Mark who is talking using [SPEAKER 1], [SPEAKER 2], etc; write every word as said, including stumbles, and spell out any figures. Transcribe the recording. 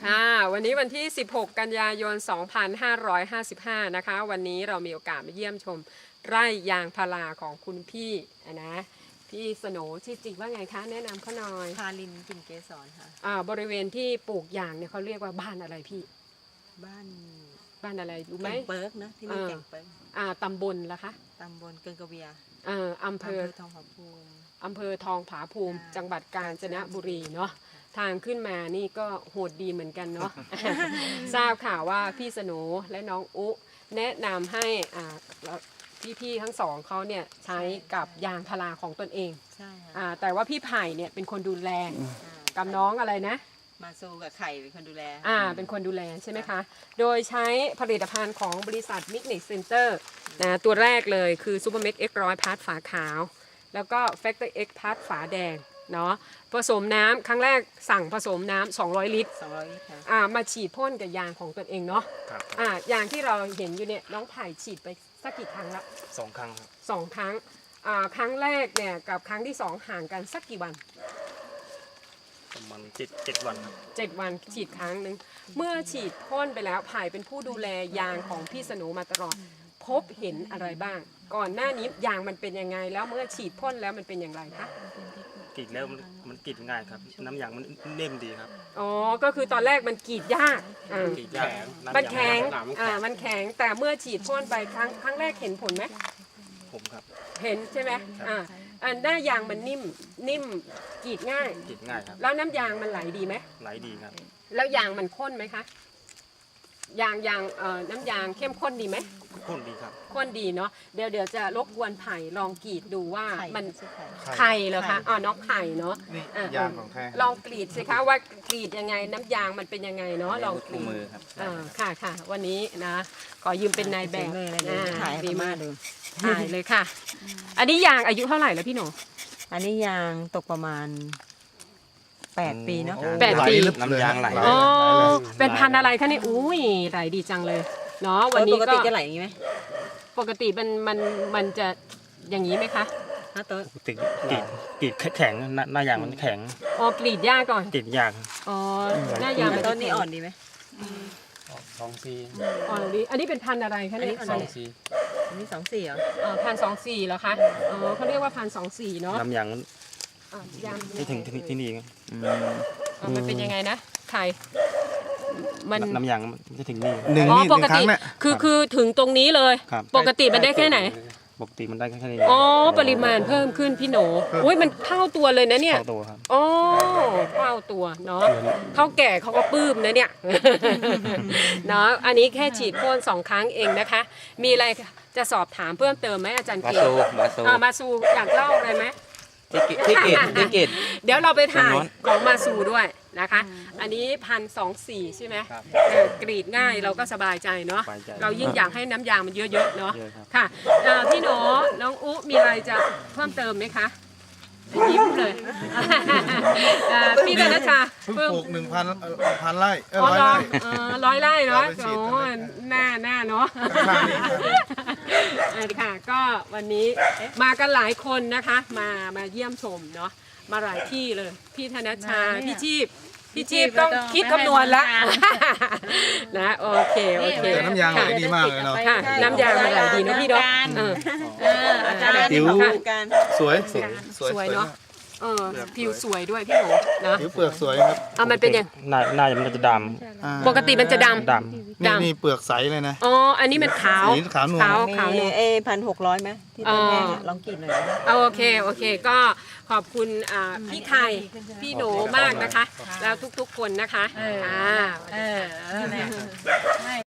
[SPEAKER 1] ค่ะวันนี้วันที่ สิบหก กันยายน สองพันห้าร้อยห้าสิบห้า นะคะวันนี้เรามีโอกาสมาเยี่ยมชมไร่ยางพาราของคุณพี่นะพี่สโหนชื่อจริงว่าไงคะแนะนำเขาหน่อย
[SPEAKER 2] พาลินกลิ่นเกสรค่ะ
[SPEAKER 1] อ่าบริเวณที่ปลูกยางเนี่ยเขาเรียกว่าบ้านอะไรพี่
[SPEAKER 2] บ้าน
[SPEAKER 1] บ้านอะไรรู้ไหม
[SPEAKER 2] แก่งเปิร์กนะที่นี่
[SPEAKER 1] เออ
[SPEAKER 2] แก่งเปิร์ก
[SPEAKER 1] อ่าตำบลละคะ
[SPEAKER 2] ตำบลเกิงกระเวีย
[SPEAKER 1] เอ่ออำเภอ
[SPEAKER 2] ทองผาภูมิ
[SPEAKER 1] อำเภอทองผาภูมิ
[SPEAKER 2] ค่ะ
[SPEAKER 1] จังหวัดกาญจนบุรีเนาะทางขึ้นมานี่ก็โหดดีเหมือนกันเนาะ ทราบข่าวว่าพี่สโหนและน้องอุแนะนำให้อ่าพี่ๆทั้งสองเขาเนี่ยใช้กับยางพาราของตนเอง
[SPEAKER 2] ใช่ค่ะ
[SPEAKER 1] อ่าแต่ว่าพี่ไผ่เนี่ยเป็นคนดูแล
[SPEAKER 2] อ่า
[SPEAKER 1] กับน้องอะไรนะ
[SPEAKER 2] มาซูกับไข่เป็นคนดูแล
[SPEAKER 1] อ่าเป็นคนดูแลใช่ไหมคะ โดยใช้ผลิตภัณฑ์ของบริษัทมิกเน เซ็นเตอร์นะตัวแรกเลยคือซูเปอร์เม็กเอ็กร้อยพาร์ทฝาขาว แล้วก็แฟกเตอร์เอ็กพาร์ทฝาแดงเนาะผสมน้ำครั้งแรกสั่งผสมน้ำสองร้อยลิตร
[SPEAKER 2] สองร้อยลิตรค่ะ
[SPEAKER 1] อ่ามาฉีดพ่นกับยางของตนเองเนาะ
[SPEAKER 3] ครับ
[SPEAKER 1] อ่ายางที่เราเห็นอยู่เนี่ยน้องไผ่ฉีดไปสักกี่ครั้งละ
[SPEAKER 3] สองครั้งครับ
[SPEAKER 1] สองครั้งอ่าครั้งแรกเนี่ยกับครั้งที่สองห่างกันสักกี่วัน
[SPEAKER 3] ประมาณเจ็ดเจ็ดวันครับ
[SPEAKER 1] เจ็ดวันฉีดครั้งหนึ่งเมื่อฉีดพ่นไปแล้วไผ่เป็นผู้ดูแลยางของพี่สโหนมาตลอดพบเห็นอะไรบ้าง ก่อนหน้านี้ยางมันเป็นยังไงแล้วเมื่อฉีดพ่นแล้วมันเป็นอย่างไรคะ
[SPEAKER 3] กรีดแล้วมันมันกรีดง่ายครับ น้ำยางมันนิ่มดีครับ
[SPEAKER 1] อ๋อก็คือตอนแรกมันกรีดยากอ่าก
[SPEAKER 3] รีดยากน้ำ
[SPEAKER 1] มัน
[SPEAKER 3] ยาง
[SPEAKER 1] แข็ง
[SPEAKER 3] น้ำมัน
[SPEAKER 1] อ่า
[SPEAKER 3] แข็ง
[SPEAKER 1] มันแข็งแต่เมื่อฉีดพ่นไปครั้งครั้งแรกเห็นผลไหม
[SPEAKER 3] ผมครับ
[SPEAKER 1] เห็นใช่ไหมอ่าอันหน้ายางมันนิ่มนิ่มกรีดง่าย
[SPEAKER 3] กรีดง่ายครับ
[SPEAKER 1] แล้วน้ำยางมันไหลดีไหม
[SPEAKER 3] ไหลดีครับ
[SPEAKER 1] แล้วยางมันข้นไหมคะยางยางเอ่อน้ำยางเข้มข้นดีไหม
[SPEAKER 3] ข้นดีครับ
[SPEAKER 1] ข้นดีเนาะเดี๋ยวเดี๋ยวจะรบกวนไผ่ลองกรีดดูว่า
[SPEAKER 2] ไข่
[SPEAKER 1] มัน
[SPEAKER 2] ชื่อไข่
[SPEAKER 1] ไข่เหรอคะอ๋อน้องไข่เนาะ
[SPEAKER 4] นี่
[SPEAKER 1] อ่ะ
[SPEAKER 4] ยางของแท้
[SPEAKER 1] ลองกรีดสิคะว่ากรีดยังไงน้ำยางมันเป็นยังไงเนาะลองกรีด
[SPEAKER 4] มือครับ
[SPEAKER 1] อ่าค่ะค่ะวันนี้นะขอยืมเป็นนายแบบ
[SPEAKER 2] เลยเลย
[SPEAKER 1] อ่
[SPEAKER 2] ถ่ายให้
[SPEAKER 1] ดี
[SPEAKER 2] พม่าม
[SPEAKER 1] าก
[SPEAKER 2] ดู
[SPEAKER 1] ถ่ายเลยค่ะ อันนี้ยางอายุเท่าไหร่แล้วพี่หนู
[SPEAKER 2] อันนี้ยางตกประมาณแปดปีเนาะ
[SPEAKER 1] แปดปี
[SPEAKER 4] น้ำยางไหล
[SPEAKER 1] อ๋อเป็นพันธุ์อะไรคะเนี่ยอุ้ยไหลดีจังเลยเนาะวันนี้
[SPEAKER 2] ปก
[SPEAKER 1] ก็
[SPEAKER 2] ติจะไหลอย่างนี้ไหม
[SPEAKER 1] ปกติมันมันมันจะอย่างนี้ไหมคะ
[SPEAKER 2] ฮะตัว
[SPEAKER 3] ติดกรีดกรีดแข็งหน้าหน้ายางมันแข็ง
[SPEAKER 1] อ๋อกรีดหญ้าก่อน
[SPEAKER 3] กรีดยาก
[SPEAKER 1] อ๋อหน้ายางมัน
[SPEAKER 2] ต้
[SPEAKER 1] จะ
[SPEAKER 2] นนี้อ่อนดีไหม
[SPEAKER 4] สองซี
[SPEAKER 1] อ่อนดีอันนี้เป็นพันธุ์อะไรคะเนี่ย
[SPEAKER 2] อันนี้ อันนี้สองสี่เหรอ
[SPEAKER 1] อ่าพันสองสี่เหรอคะอ๋อเขาเรียกว่าพันสองสี่เนาะ
[SPEAKER 3] น้ำยางมัน
[SPEAKER 1] อ่ะยาง
[SPEAKER 3] ไม่ถึงที่ที่นี่ครับ
[SPEAKER 1] อ่ะมันเป็นยังไงนะไข่มัน
[SPEAKER 3] น้ำยางมันจะถึงนี่
[SPEAKER 4] หนึ่ง
[SPEAKER 1] อ๋อ
[SPEAKER 4] นี่ห
[SPEAKER 1] ป
[SPEAKER 4] นึ่
[SPEAKER 1] ก
[SPEAKER 4] งครั้
[SPEAKER 1] ติ
[SPEAKER 4] งเนี่ย
[SPEAKER 1] คือคือถึงตรงนี้เลย
[SPEAKER 3] ครับ
[SPEAKER 1] ปกติมันได้แค่ไหน
[SPEAKER 3] ปกติมันได้แค่นี้
[SPEAKER 1] อ๋อปริมาณเพิ่มขึ้นพี่โหนอุ้ยมันเท่าตัวเลยนะเนี่ย
[SPEAKER 3] เข้าตัวครับ
[SPEAKER 1] อ๋อเท่าตัวเนาะเท่าแก่เขาก็ปลื้มนะเนี่ย เนาะอันนี้แค่ฉีดพ่นสองครั้งเองนะคะ มีอะไรจะสอบถามเพิ่มเติมไหมอาจารย์
[SPEAKER 4] มา
[SPEAKER 1] เกียร
[SPEAKER 4] ซู
[SPEAKER 1] ติ
[SPEAKER 4] มาซู
[SPEAKER 1] อ่ามาสู่อยากเล่าอะไรไหม
[SPEAKER 4] ที่เกตที่เกต
[SPEAKER 1] เดี๋ยวเราไปถ่าย
[SPEAKER 4] ทางโน้น
[SPEAKER 1] ของมาซูด้วยนะคะ อันนี้พันสองสี่ใช่ไหม
[SPEAKER 3] ครับ
[SPEAKER 1] เออกรีดง่ายเราก็สบายใจเนาะ
[SPEAKER 3] สบายใจ
[SPEAKER 1] เรายิ่งอยากให้น้ำยางมันเยอะๆเนาะ
[SPEAKER 3] เยอะครับ
[SPEAKER 1] ค่ะเอ่อพี่หนูน้องอุมีอะไรจะเพิ่มเติมไหมคะยิ้มเลย เอ่อพี่กัญชา
[SPEAKER 4] เพิ่ง
[SPEAKER 1] เพิ่ม
[SPEAKER 4] ปลูกหนึ่งพันพันไร่เอ้ย
[SPEAKER 1] อ๋อ
[SPEAKER 4] ร้อย
[SPEAKER 1] ร้อย
[SPEAKER 4] ไร่
[SPEAKER 1] เออร้อยไร่เนาะ
[SPEAKER 4] เราไปฉี
[SPEAKER 1] โอ้
[SPEAKER 4] ดกันเลย
[SPEAKER 1] หน้าหน้าเนาะ
[SPEAKER 4] ข้างนี้ครับ
[SPEAKER 1] เออค่ะก็วันนี้มากันหลายคนนะคะมามาเยี่ยมชมเนาะมาหลายที่เลย พี่ธนชา พี่ชีพพี่ชีพต้องคิดคำนวณละ นะโอเคโอเค
[SPEAKER 4] แต่น้ำยางไหลดีมากเลยเนาะ
[SPEAKER 1] ค่ะน้ำยางมันไหลดีเนอะพี่เนาะเออ
[SPEAKER 2] เอออาจารย์
[SPEAKER 4] ผิว
[SPEAKER 2] ค่ะกัน
[SPEAKER 4] สวยสวยสวย
[SPEAKER 1] สวย
[SPEAKER 4] สวย
[SPEAKER 1] เนาะ
[SPEAKER 4] มาก
[SPEAKER 1] เออผิวสวยด้วยพี่หนูนะ
[SPEAKER 4] ผิวเปลือกสวยครับ
[SPEAKER 1] เอามันเป็นยัง
[SPEAKER 3] หน้าหน้ามันจะด
[SPEAKER 4] อ่า
[SPEAKER 1] ปกติมันจะด
[SPEAKER 3] ำด
[SPEAKER 4] นี่นี่เปลือกใสเลยนะ
[SPEAKER 1] ำอ๋ออันนี้มันขาว
[SPEAKER 4] สีขาวนวล
[SPEAKER 1] ขาว
[SPEAKER 2] มี
[SPEAKER 1] ขาวเนี่ย
[SPEAKER 2] เอพันหกร้อยไหมที่เป็นแห้งอะลองกรีดหน่อยนะ
[SPEAKER 1] เอาโอเคโอเคก็ขอบคุณอ่าพี่ไข่พี่หนูมากนะคะ แล้วทุกๆคนนะคะ
[SPEAKER 5] เออ
[SPEAKER 1] ค่ะ
[SPEAKER 5] เออเออเนี่ย